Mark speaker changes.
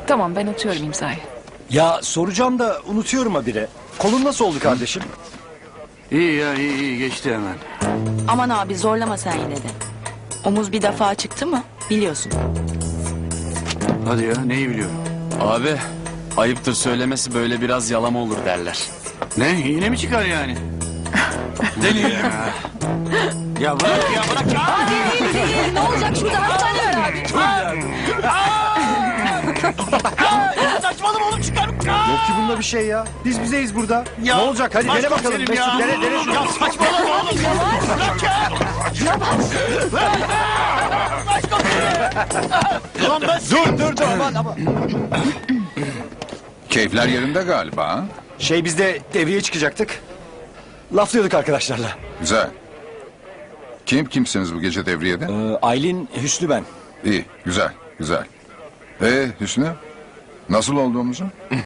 Speaker 1: Tamam, ben atıyorum imzayı.
Speaker 2: Ya soracağım da unutuyorum habire. Kolun nasıl oldu kardeşim?
Speaker 3: İyi ya, iyi geçti hemen.
Speaker 4: Aman abi zorlama sen yine de. Omuz bir defa çıktı mı biliyorsun.
Speaker 3: Hadi ya, neyi biliyorum?
Speaker 5: Abi ayıptır söylemesi, böyle biraz yalama olur derler.
Speaker 3: Ne, yine mi çıkar yani?
Speaker 5: Deniyor.
Speaker 3: Ya bırak ya, bırak ya!
Speaker 4: Ne olacak şurada hastane var abi.
Speaker 3: Saçmalama oğlum, çıkar!
Speaker 2: Yok ki bunda bir şey ya. Biz bizeyiz burada.
Speaker 3: Ya,
Speaker 2: ne olacak? Hadi dene bakalım.
Speaker 3: başkomiserim ya.
Speaker 2: Mesut dene şunu.
Speaker 3: Ya saçmalama oğlum! Bırak ya! Ulan ben...
Speaker 2: Dur aman.
Speaker 6: Keyifler yerinde galiba, ha?
Speaker 2: Biz de devreye çıkacaktık. Laflıyorduk arkadaşlarla.
Speaker 6: Güzel. Kimsiniz bu gece devriyede?
Speaker 2: Aylin, Hüsnü ben.
Speaker 6: İyi, güzel. Hüsnü? Nasıl olduğumuzu?